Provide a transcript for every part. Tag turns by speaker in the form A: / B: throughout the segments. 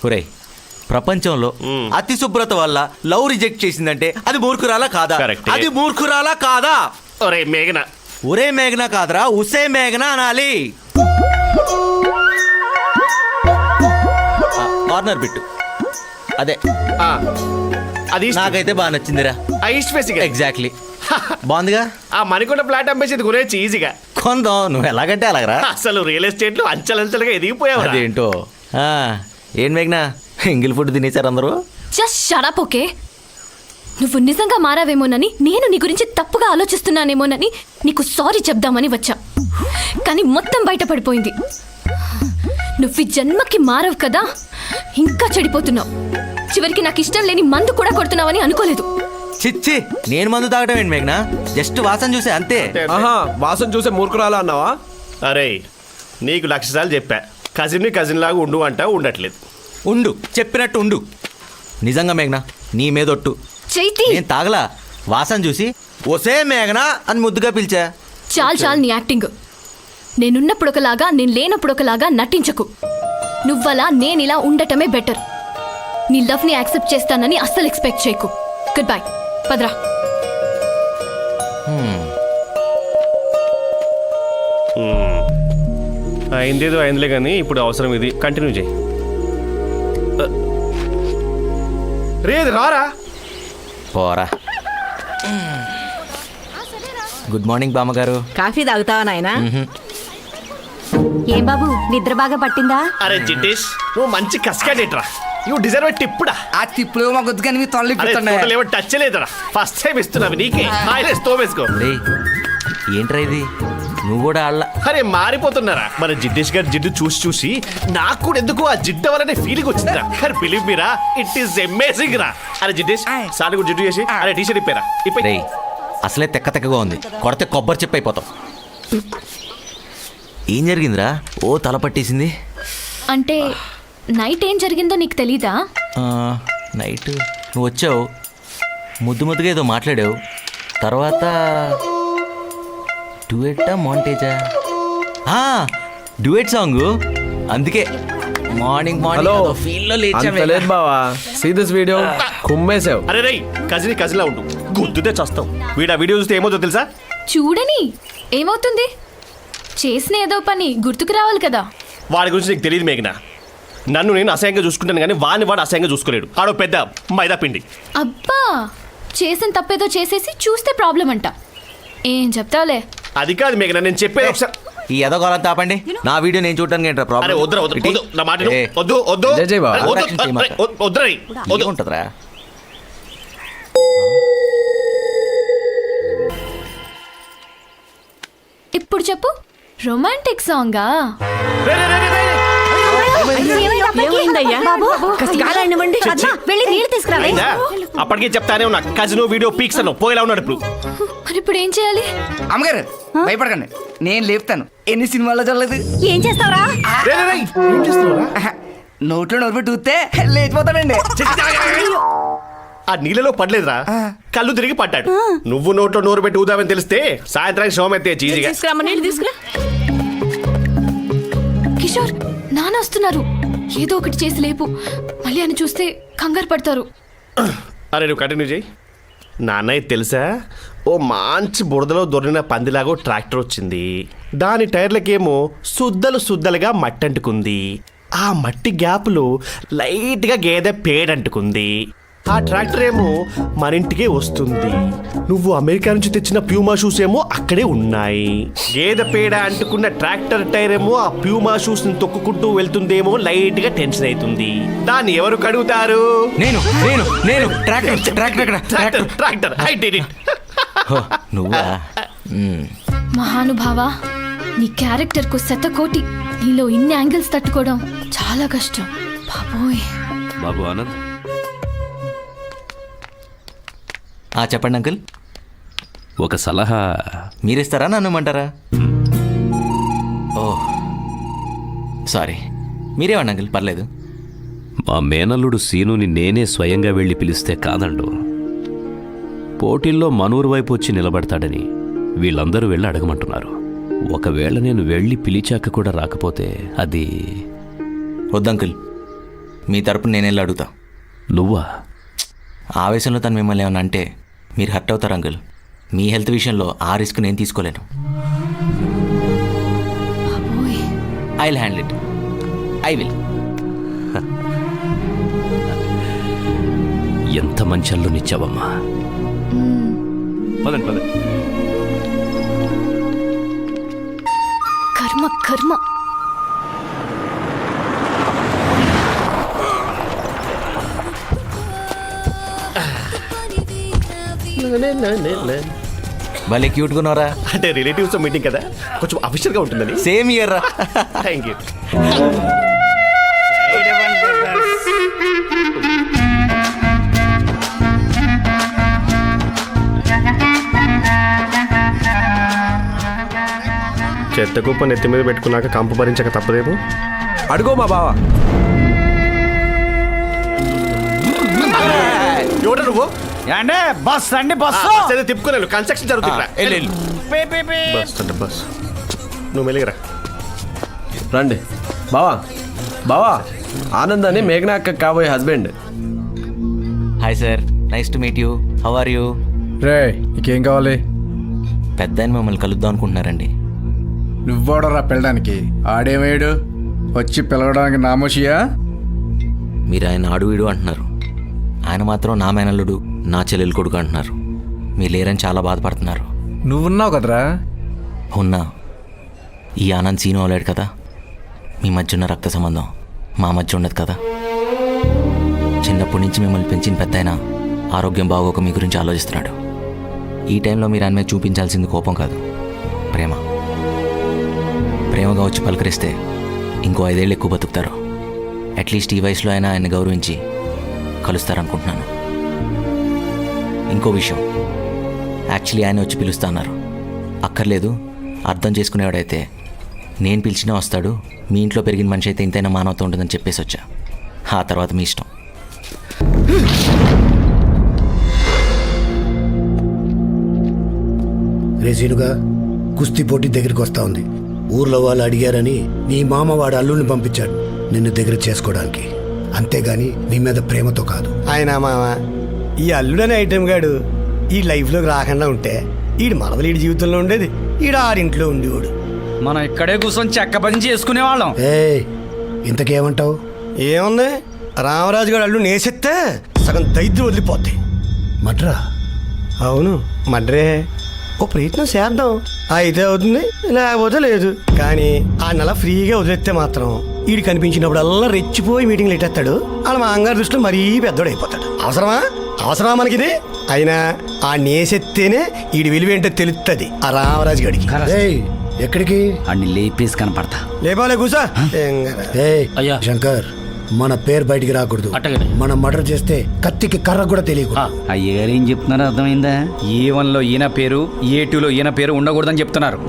A: ఒరేయ్, ప్రపంచంలో అతి శుభ్రత వల్ల లవ్ రిజెక్ట్ చేసిందంటే అది మూర్ఖురాలా కాదా?
B: Correct.
A: అది మూర్ఖురాలా కాదా?
B: ఒరే మేఘన,
A: ఒరే మేఘనా కాదరా, ఉసే మేఘనా అనాలి. కార్నర్ బిట్టు అదే
B: అది
A: నాకైతే బాగా నచ్చిందిరా. ఎగ్జాక్ట్లీ బాగుందిగా.
B: ఆ మణికొండ ఫ్లాట్ అమ్మేసేది గురించి ఈజీగా
A: కొందాం, నువ్వు ఎలాగంటే అలాగరా.
B: అసలు రియల్ ఎస్టేట్ లో అంచెలంచెలుగా ఎదిగిపోయావు.
A: అదేంటో. ఏం మేఘనా, ఎంగిల్ ఫుడ్ తినేశారు అందరూ?
C: Just shut up, okay? నువ్వు నిజంగా మారావేమోనని, నేను నీ గురించి తప్పుగా ఆలోచిస్తున్నానేమోనని నీకు సారీ చెప్దామని వచ్చా. కానీ మొత్తం బయటపడిపోయింది. నువ్వు ఈ జన్మకి మారవు కదా, ఇంకా చెడిపోతున్నావు. చివరికి నాకు ఇష్టం లేని మందు కూడా కొడుతున్నావని అనుకోలేదు.
A: చిచ్చి, నేను మందు తాగటం ఏంటి మేఘనా? జస్ట్ వాసన చూసే అంతే.
D: వాసన చూసే మూర్ఖురాలా అన్నావా?
B: అరే నీకు 1,00,000 సార్లు చెప్పా, కజిన్ లాగా ఉండు అంటా, ఉండట్లేదు.
A: ఉండు, చెప్పినట్టు ఉండు. నిజంగా మేఘనా, నీ మీదొట్టు.
C: చైతి,
A: నేను తాగలా, వాసన చూసి ఒసే మేఘనా అని ముద్దుగా పిలిచా.
C: చాలు నీ యాక్టింగ్. నేనున్నప్పుడు ఒకలాగా, నేను లేనప్పుడు ఒకలాగా నటించకు. నువ్వలా నేనిలా ఉండటమే బెటర్. నీ లవ్ని యాక్సెప్ట్ చేస్తానని అస్సలు ఎక్స్పెక్ట్ చేయకు. Good bye, పద్రా.
B: అయిందేదో అయిందిలే కానీ ఇప్పుడు అవసరం ఇది. కంటిన్యూ చేయి. రేది రారా.
A: పోరా. గుడ్ మార్నింగ్ బామ్మగారు.
E: కాఫీ తాగుతావా నాయనా?
F: ఏం బాబు, నిద్ర బాగా పట్టిందా?
B: అరే జిటేష్, నువ్వు మంచి కస్కాడేట్రా. You deserve టిప్పుడా.
G: ఆ తిప్పులు మా గొద్దు కానీ మీ
B: తొలి టచ్ లేదురా. ఫస్ట్ టైం ఇస్తున్నావు నీకే. తోమేసుకో.
A: ఏంట్రా ఇది, నువ్వు కూడా ఆళ్ళ.
B: అరే మారిపోతున్నారా. మన జిడ్డేష్ గారి జిడ్డు చూసి నాకు కూడా ఎందుకు ఆ జిడ్డు వల్లనే ఫీలింగ్ వచ్చిందిరా. అరే బిలీవ్ మీరా, ఇట్ ఈస్ అమేజింగ్ రా. అరే జిడ్డేష్, సార్ కూడా జిడ్డు చేసి అరే టీషర్ట్ ఇప్పారా.
A: రేయ్, అసలే తెక్కగా ఉంది, కొడితే కొబ్బరి చెప్పి అయిపోతాం. ఏం జరిగిందిరా? ఓ తల పట్టేసింది.
C: అంటే నైట్ ఏం జరిగిందో నీకు తెలీదా?
A: నైట్ నువ్వు వచ్చావు, ముద్దుగా ఏదో మాట్లాడావు. తర్వాత డ్యూయెట్టా మాంటేజా? Duet song. అందుకే మార్నింగ్ ఫీల్ లో
D: లేదు బావా. See this video. కుమ్మేసావు.
B: అరే రై, కజిన్ లా ఉండు, గుద్దుతే చస్తావు. వీడు ఆ వీడియో చూస్తే ఏమవుతుందో తెలుసా?
C: చూడని ఏమవుతుంది, చేసిన ఏదో పని గుర్తుకు రావాలి కదా.
B: వాడి గురించి నీకు తెలియదు మేఘనా. నన్ను నేను అసహ్యంగా చూసుకుంటాను కానీ వాడు అసహ్యంగా చూసుకోలేడు. ఆడో పెద్ద మైదా పిండి.
C: అబ్బా, చేసిన తప్పేదో చేసేసి చూస్తే ప్రాబ్లం అంట. ఏం చెప్తావులే.
B: అది కాదు మేఘనా, నేను చెప్పేది ఒకసారి.
A: ఈ ఎదగోళం తాపండి. నా వీడియో నేను చూడటానికి ఏంట్రా ప్రాబ్లం?
B: అరే వద్దు నా మాట వద్దు.
D: జై బాబా.
A: ఉంటుందిరా.
C: ఇప్పుడు చెప్పు, రొమాంటిక్ సాంగా?
E: ఏమైందయ్యా?
F: వెళ్ళి నీళ్ళు తీసుకురావే.
B: అప్పటికే చెప్తానే ఉన్నా, కజిన్ వీడియో పీక్స్ అను పోయేలా ఉన్నాడు ఇప్పుడు.
C: మరి ఇప్పుడు ఏం చేయాలి?
G: అమ్మగారు భయపడకండి, నేను లేపుతాను. ఎన్ని సినిమాల్లో చూడలేదు.
F: ఏం చేస్తావురా?
G: నోట్లో నోరు పెట్టి ఊస్తే లేచిపోతాడండి.
B: ఆ నీళ్ళలో పడలేదురా, కళ్ళు తిరిగి పడ్డాడు. నువ్వు నోట్లో నోరు పెట్టి ఊదామని తెలిస్తే సాయంత్రానికి శవం ఎత్తే చీజీగా.
E: తీసుకురా.
C: కిషోర్, నాన్న వస్తున్నారు. ఏదో ఒకటి చేసి లేపు, మళ్ళీ అని చూస్తే కంగారు పడతారు.
B: అరే నువ్వు కంటిన్యూ చేయి. నాన్నయ్య తెలుసా, ఓ మంచి బురదలో దొరికిన పందిలాగో ట్రాక్టర్ వచ్చింది. దాని టైర్లకేమో సుద్దలుగా మట్టి అంటుకుంది. ఆ మట్టి గ్యాప్లో లైట్గా గేదె పేడంటుకుంది. ఆ ట్రాక్టర్ ఏమో మన ఇంటికే వస్తుంది. నువ్వు అమెరికా నుంచి తెచ్చిన ప్యూమా షూస్ ఏమో అక్కడే ఉన్నాయి. గేదె పేడ అంటుకున్న ట్రాక్టర్ టైర్ ఏమో ఆ ప్యూమా షూస్ ని తొక్కుకుంటూ వెళ్తుందేమో లైట్ గా టెన్షన్ అవుతుంది. దాన్ని ఎవరు కడుగుతారు?
A: నేను
B: ట్రాక్టర్. I did it.
A: నువ్వా?
C: మహానుభావా, నీ క్యారెక్టర్ కు శతకోటి. నీలో ఇన్ని యాంగిల్స్ తట్టుకోవడం చాలా కష్టం బాబోయ్.
H: బాబు ఆనంద్,
A: చెప్పండి అంకుల్.
H: ఒక సలహా
A: మీరిస్తారా, నన్ను ఇమ్మంటారా? ఓ సారీ, మీరేమండి అంకుల్, పర్లేదు.
H: మా మేనల్లుడు సీనుని నేనే స్వయంగా వెళ్ళి పిలిస్తే కాదండు. పోటీల్లో మనూరు వైపు వచ్చి నిలబడతాడని వీళ్ళందరూ వెళ్ళి అడగమంటున్నారు. ఒకవేళ నేను వెళ్ళి పిలిచాక కూడా రాకపోతే అది...
A: వద్దంకుల్, మీ తరపున నేను వెళ్ళి అడుగుతా.
H: నువ్వా?
A: ఆవేశంలో తను మిమ్మల్ని ఏమన్నా అంటే మీరు హర్ట్ అవుతారు అంకుల్. మీ హెల్త్ విషయంలో ఆ రిస్క్ నేను తీసుకోలేను. I will handle it. I will.
H: ఎంత మంచి అల్లునిచ్చావమ్మా. పదండి పదండి.
C: కర్మ కర్మ.
A: భలే క్యూట్గా ఉన్నారా.
B: అంటే రిలేటివ్స్ మీటింగ్ కదా, కొంచెం అఫీషియల్గా ఉంటుందని.
A: సేమ్ ఇయర్ రా.
B: Thank you. చెత్త కుప్ప నెత్తి మీద పెట్టుకున్నాక కంపు భరించక తప్పదేమో.
D: అడుగో మా బావ.
B: ఎవడ నువ్వు?
G: అంటే బస్ అండి బస్సు.
B: తిప్పుకోలేను, కన్స్ట్రక్షన్ జరుగుతుంది. బస్ అంటే బస్. నువ్వు మెలిగరా.
D: రండి బావా. బావా, ఆనంద్ అని మేఘనా అక్క కాబోయే husband.
A: Hi sir, nice to meet you. How are you?
I: రే, నీకేం కావాలి?
A: పెద్ద ఆయన మిమ్మల్ని కలుద్దాం అనుకుంటున్నారండి.
I: నువ్వోడరా పిల్లడానికి? ఆడేమయ్యాడు? వచ్చి పిలవడానికి నామోషియా?
A: మీరు ఆయన ఆడు వీడు అంటున్నారు, ఆయన మాత్రం నా మేనల్లుడు, నా చెల్లెలు కొడుకు అంటున్నారు. మీరు లేరని చాలా బాధపడుతున్నారు.
I: నువ్వున్నావు కదరా.
A: ఉన్నా. ఈ ఆనంద్ సీను అవలేడు కదా. మీ మధ్య ఉన్న రక్త సంబంధం మా మధ్య ఉండదు కదా. చిన్నప్పటి నుంచి మిమ్మల్ని పెంచిన పెద్దాయన ఆరోగ్యం బాగోక మీ గురించి ఆలోచిస్తున్నాడు. ఈ టైంలో మీరు ఆయన మీద చూపించాల్సింది కోపం కాదు, ప్రేమ. ప్రేమగా వచ్చి పలకరిస్తే ఇంకో 5 ఏళ్ళు ఎక్కువ బతుకుతారు. అట్లీస్ట్ ఈ వయసులో అయినా ఆయన్ని గౌరవించి కలుస్తారనుకుంటున్నాను. ఇంకో విషయం, యాక్చువల్లీ ఆయన వచ్చి పిలుస్తా అన్నారు. అక్కర్లేదు, అర్థం చేసుకునేవాడైతే నేను పిలిచినా వస్తాడు. మీ ఇంట్లో పెరిగిన మనిషి అయితే ఇంతైనా మానవత ఉంటుందని చెప్పేసి వచ్చా. ఆ తర్వాత మీ ఇష్టం.
J: రేసీనుగా కుస్తీ పోటీ దగ్గరికి వస్తా ఉంది. ఊర్లో వాళ్ళు అడిగారని నీ మామ వాడు అల్లుడిని పంపించాడు నిన్ను దగ్గర చేసుకోవడానికి. అంతేగాని నీ మీద ప్రేమతో కాదు.
K: ఆయన మామ, ఈ అల్లుడనే ఐటెం గాడు ఈ లైఫ్లోకి రాకుండా ఉంటే ఈడు మనవలు ఈడి జీవితంలో ఉండేది, ఈడు ఆరింట్లో ఉండేవాడు.
G: మనం ఇక్కడే కూర్చొని చెక్క పని చేసుకునే వాళ్ళం.
J: ఇంతకేమంటావు?
K: ఏముంది, రామరాజు గారు అల్లు నేసెత్తే సగం దైద్యం వదిలిపోద్ది.
J: మడ్రా?
K: అవును, మడ్రే. ఓ ప్రయత్నం చేద్దాం, అయితే అవుతుంది, లేకపోతే లేదు. కానీ ఆ నెల ఫ్రీగా వదిలేస్తే మాత్రం ఈడు కనిపించినప్పుడల్లా రెచ్చిపోయి మీటింగ్లు ఎట్టేస్తాడు. వాళ్ళ మా అంగారు దృష్టిలో మరీ పెద్దోడు అయిపోతాడు. అవసరమా మనకిది? అయినా ఆ నేసెత్తేనే ఈడి విలువేంటో తెలుస్తుంది ఆ రామరాజు గడికి.
J: ఎక్కడికి?
G: అన్ని లేపేసి కనపడతా.
K: లేపాలే కూసా.
J: శంకర్, మన పేరు బయటికి రాకూడదు. మనం మర్డర్ చేస్తే కత్తికి కర్ర కూడా తెలియకూడదు.
G: అయ్యగారు ఏం చెప్తున్నారో అర్థమైందా? E1 లో ఈయన పేరు, A2 లో ఈయన పేరు ఉండకూడదని చెప్తున్నారు.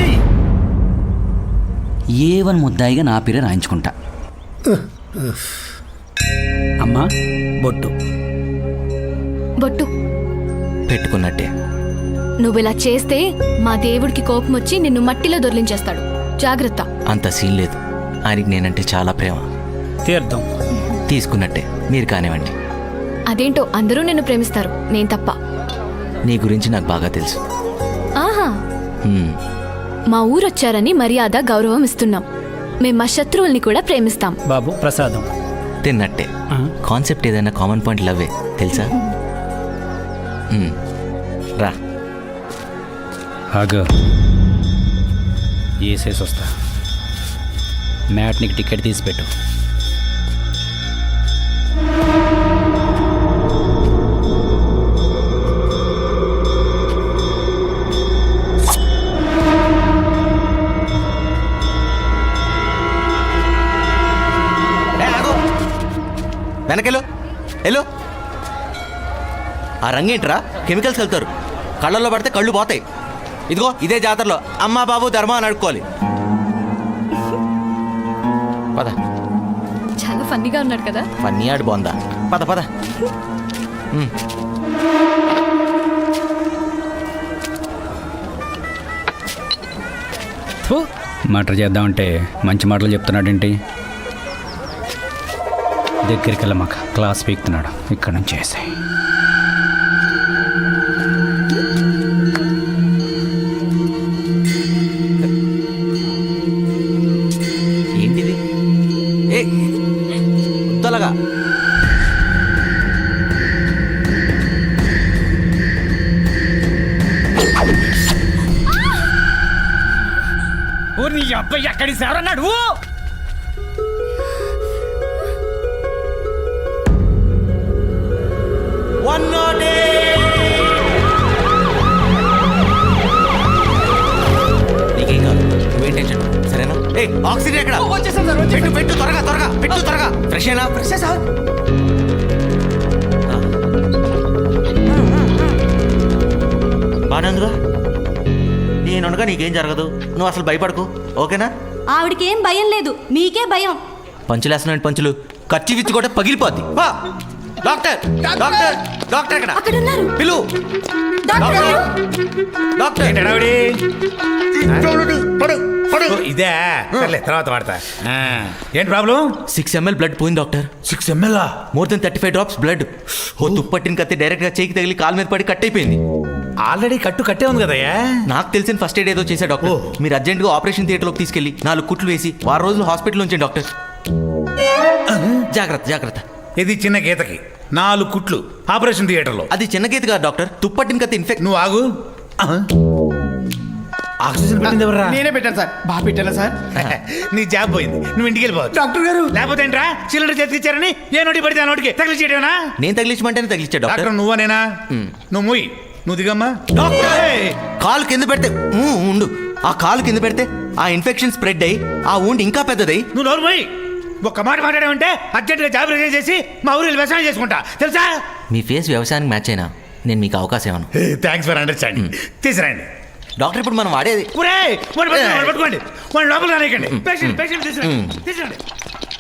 G: A1 ముద్దాయిగా నా పేరే రాయించుకుంటా. అమ్మా, బొట్టు
C: బొట్టు
A: పెట్టుకున్నట్టే.
C: నువ్విలా చేస్తే మా దేవుడికి కోపం వచ్చి నిన్ను మట్టిలో దొర్లించేస్తాడు. జాగ్రత్త.
A: అంత సీన్ లేదు. ఆయనకి నేనంటే చాలా ప్రేమ.
G: తీర్థం
A: తీసుకున్నట్టే. మీరు కానివ్వండి.
C: అదేంటో అందరూ నిన్ను ప్రేమిస్తారు, నేను తప్ప.
A: నీ గురించి నాకు బాగా తెలుసు.
C: ఆహా, మా ఊరొచ్చారని మర్యాద గౌరవం ఇస్తున్నాం. మేం మా శత్రువుల్ని కూడా ప్రేమిస్తాం.
G: బాబు ప్రసాదం
A: తిన్నట్టే. కాన్సెప్ట్ ఏదైనా కామన్ పాయింట్ లవ్వే, తెలుసా? రా.
G: ఆగా వేసేసి వస్తా. మ్యాట్నికి టికెట్ తీసి పెట్టు.
A: వెనకెళ్ళు వెళ్ళు. ఆ రంగేంట్రా, కెమికల్స్ వెళ్తారు, కళ్ళల్లో పడితే కళ్ళు పోతాయి. ఇదిగో ఇదే జాతరలో అమ్మా బాబు ధర్మం అని అడుక్కోవాలి. పద.
C: చాలా ఫన్నీగా ఉన్నాడు కదా.
A: ఫన్నీ ఆడు బాగుందా? పద పద.
G: మటర్ చేద్దామంటే మంచి మాటలు చెప్తున్నాడేంటి? దగ్గరికి వెళ్ళమాక క్లాస్ పీక్తున్నాడు ఇక్కడ నుంచి వేసే
A: ఏంటిది ఏ తలగా
G: నీ అబ్బాయి ఎక్కడి సేవరన్నాడు
A: నీకేం కాదు నువ్వేం టెన్షన్ సరేనా ఏ ఆక్సిజన్ ఎక్కడ పెట్టు పెట్టు త్వరగా త్వరగా పెట్టు త్వరగా ఫ్రెష్ అయినా ఫ్రెష్ సార్ బాగానే ఉందిగా నేనుండగా నీకేం జరగదు నువ్వు అసలు భయపడకు ఓకేనా
F: ఆవిడకేం భయం లేదు మీకే భయం.
A: పంచులేస్తున్నాడు పంచులు ఖర్చు విచ్చి కూడా పగిలిపోద్ది వా. డాక్టర్ డాక్టర్ డాక్టర్ ఎక్కడ
C: అక్కడ ఉన్నారు.
A: పిలు డాక్టర్
I: ఇదే సర్లే తర్వాత వాడతా ఏంటి ప్రాబ్లం
A: 6 ml బ్లడ్ పోయింది doctor
I: 6 ml
A: more than 35 drops blood ఓ తుప్పట్టిన కత్తి డైరెక్ట్ గా చేయికి తగిలి కాలు మీద పడి కట్ అయిపోయింది.
I: ఆల్రెడీ కట్టే ఉంది కదయ్యా
A: నాకు తెలిసిన ఫస్ట్ ఎయిడ్ ఏదో చేశా డాక్టర్. మీరు అర్జెంట్ గా ఆపరేషన్ థియేటర్ లోకి తీసుకెళ్లి 4 కుట్లు వేసి 6 రోజులు హాస్పిటల్ ఉంచండి డాక్టర్. జాగ్రత్త జాగ్రత్త.
I: ఇది చిన్న గీతకి 4 కుట్లు ఆపరేషన్ థియేటర్లో.
A: అది చిన్న గీత కాదు డాక్టర్, తుప్పట్టిన కత్తి ఇన్ఫెక్ట్.
I: నువ్వు ఆగు. ఆక్సిజన్ పెట్టింది ఎవరా?
K: నేనే పెట్టాను సార్. బాగా పెట్టాను సార్.
I: నీ జాబ్ పోయింది, నువ్వు ఇంటికి వెళ్ళిపోవచ్చు.
K: డాక్టర్ గారు
I: లేకపోతే ఏంట్రా సిలిండర్ చేతికిచ్చారని ఏ నోటి పడితే ఆ నోటికి తగిలిచ్చేయడమేనా?
A: నేను తగిలించమంటేనే తగిలిచ్చా డాక్టర్.
I: డాక్టర్ నువ్వనేనా? నువ్వు మూయి, నువ్వు దిగమ్మా.
A: కాలు కింద పెడితే ఉండు, ఆ కాలు కింద పెడితే ఆ ఇన్ఫెక్షన్ స్ప్రెడ్ అయ్యి ఆ ఊండి ఇంకా పెద్దదై.
I: నువ్వు నోరు మూయి. ఒక్క మాట మాట్లాడామంటే అర్జెంట్గా జాబ్ రిజైన్ చేసి మా ఊరిలో వ్యవసాయం చేసుకుంటా తెలుసా?
A: మీ ఫేస్ వ్యవసాయానికి మ్యాచ్ అయినా నేను మీకు అవకాశం ఇవ్వను.
I: Thanks for understanding. తీసుకురండి
A: డాక్టర్. ఇప్పుడు మనం వాడేది
I: పట్టుకోండి, వాడి లోపల రానికండి. పేషెంట్ తీసుకురండి.